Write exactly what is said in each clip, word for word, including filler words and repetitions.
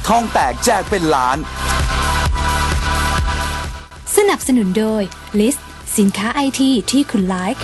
ทองแตกแจกเป็นล้านสนับสนุนโดย ลิสต์ สินค้าไอทีที่คุณไลค์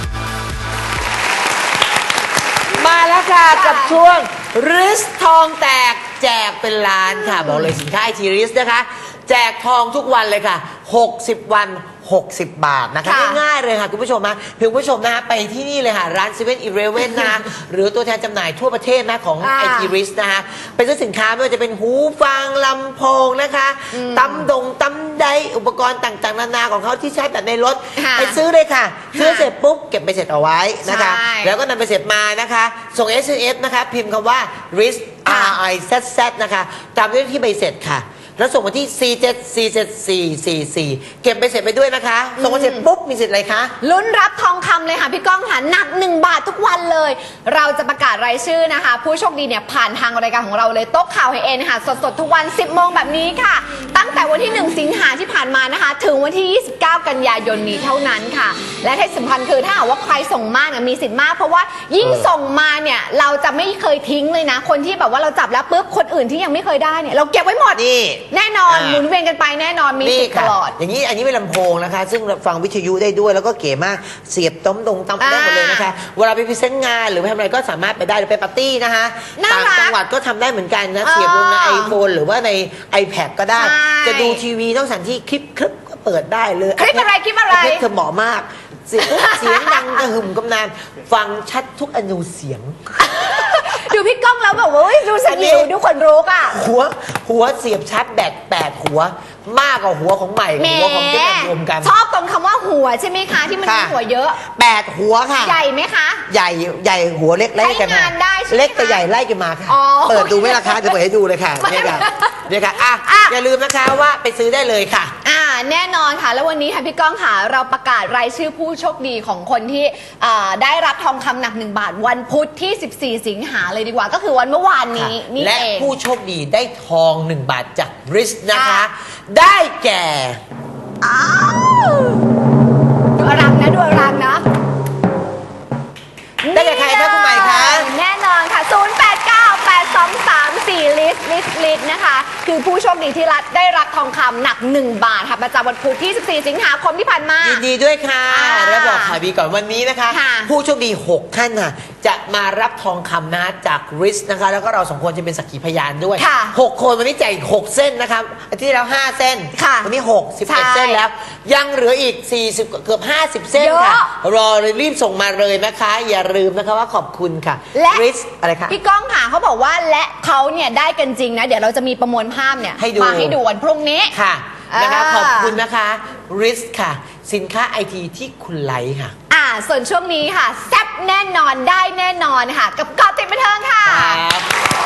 มาแล้วค่ะกับช่วงริสทองแตกแจกเป็นล้านค่ะบอกเลยสินค้าไอทีริสนะคะแจกทองทุกวันเลยค่ะหกสิบวันหกสิบบาทนะคะง่ายๆเลยค่ะคุณผู้ชมนะเพียงคุณผู้ชมนะคะไปที่นี่เลยค่ะร้านเซเว่นอีเลฟเว่นนะคะหรือตัวแทนจำหน่ายทั่วประเทศนะของไอทีริสนะคะไปซื้อสินค้าไม่ว่าจะเป็นหูฟังลำโพงนะคะตำดงตำไดอุปกรณ์ต่างๆนานาของเขาที่ใช้แบบในรถไปซื้อเลยค่ะซื้อเสร็จปุ๊บเก็บไปเสร็จเอาไว้นะคะแล้วก็นำไปเสร็จมานะคะส่ง เอส เอ็ม เอส นะคะพิมพ์คำว่า ริส อาร์ ไอ แซด แซด นะคะตามด้วยที่ใบเสร็จค่ะแล้วส่งมาที่ สี่ เจ็ด สี่ เจ็ด สี่ สี่ สี่ เก็บไปเสร็จไปด้วยนะคะส่งมาเสร็จปุ๊บมีสิทธิ์อะไรคะลุ้นรับทองคำเลยค่ะพี่ก้องค่ะหนักหนึ่งบาททุกวันเลยเราจะประกาศรายชื่อนะคะผู้โชคดีเนี่ยผ่านทางรายการของเราเลยโต๊ะข่าวให้เอ็นค่ะสดๆทุกวัน สิบโมงแบบนี้ค่ะตั้งแต่วันที่หนึ่งสิงหาที่ผ่านมานะคะถึงวันที่ยี่สิบเก้ากันยายนนี้เท่านั้นค่ะและที่สำคัญคือถ้าหากว่าใครส่งมากเนี่ยมีสิทธิ์มากเพราะว่ายิ่งส่งมาเนี่ยเราจะไม่เคยทิ้งเลยนะคนที่แบบว่าเราจับแล้วปุ๊บคนอื่นที่ยังไม่เคยได้เนี่ยเราเก็บไว้หมดนี่แน่นอนหมุนเวียนกันไปแน่นอนมีสิทธิ์ตลอดอย่างนี้อันนี้เป็นลำโพงนะคะซึ่งฟังวิทยุได้ด้วยแล้วก็เก๋มากเสียบต้มดงตำได้หมดเลยนะคะเวลาไปพรีเซนต์งานหรือไปทำอะไรก็สามารถไปได้หรือไปปาร์ตี้นะคะต่างจังหวัดก็ทำได้เหมือนกันนะเสียบลงในไอโฟนหรือว่าใน iPad ก็ได้จะดูทีวีต้องสันที่คลิปคลิปก็เปิดได้เลยคลิปอะไรคลิปอะไรคลิปเธอเหมาะมากเสียงเสียงดังกระหึ่มกำนานฟังชัดทุกอนูเสียงดูพี่ก้องแล้วแบบว่าดูสยิวดูคนรู้อ่ะหัวหัวเสียบชาร์จแบตแปดหัวมากกว่าหัวของใหม่หัวของเจ๊แตรวมกันชอบตรงคำว่าหัวใช่ไหมคะที่มันมีหัวเยอะแปดหัวค่ะใหญ่ไหมคะใหญ่ใหญ่หัวเล็กไล่กันมาเล็กแต่ใหญ่ไล่กันมาค่ะเปิดดูไหมล่ะคะจะเปิดให้ดูเลยค่ะเนี่ยค่ะเนี่ยค่ะอ่ะอย่าลืมนะคะว่าไปซื้อได้เลยค่ะอ่าแน่นอนค่ะแล้ววันนี้ค่ะพี่ก้องค่ะเราประกาศรายชื่อผู้โชคดีของคนที่ได้รับทองคำหนักหนึ่งบาทวันพุธที่สิบสี่สิงหาเลยดีกว่าก็คือวันเมื่อวานนี้นี่เองและผู้โชคดีได้ทองหนึ่งบาทจากริสนะคะได้แก่อ้าวดูอลังนะดูอลังนะได้แก่ใครคะคุณใหม่คะแน่นอนค่ะศูนย์ แปด เก้า แปด สอง สาม สี่ ลิสลิสลิสนะคะคือผู้โชคดีที่รัฐได้รับทองคำหนักหนึ่งบาทค่ะประจำวันพุธที่สิบสี่สิงหาคมที่ผ่านมายินดีด้วยค่ะแล้วบอกข่าวดีก่อนวันนี้นะคะผู้โชคดีหกท่านค่ะจะมารับทองคำนะจากริสนะคะแล้วก็เราสองคนจะเป็นสักขีพยานด้วยหกคนวันนี้แจกอีกหกเส้นนะคะอาทิตย์ที่แล้วห้าเส้นวันนี้หก สิบเอ็ดเส้นแล้วยังเหลืออีกสี่สิบเกือบห้าสิบเส้นค่ะรอเลยรีบส่งมาเลยนะคะอย่าลืมนะคะว่าขอบคุณค่ะและริสอะไรคะพี่ก้องค่ะเขาบอกว่าและเขาเนี่ยได้กันจริงนะเดี๋ยวเราจะมีประมวลภาพเนี่ยมาให้ดูวันพรุ่งนี้ค่ะนะคะขอบคุณนะคะริสค่ะสินค้าไอทีที่คุณไลค์ค่ะอ่าส่วนช่วงนี้ค่ะแซ่บแน่นอนได้แน่นอนค่ะกับเกาะติดบันเทิงค่ะ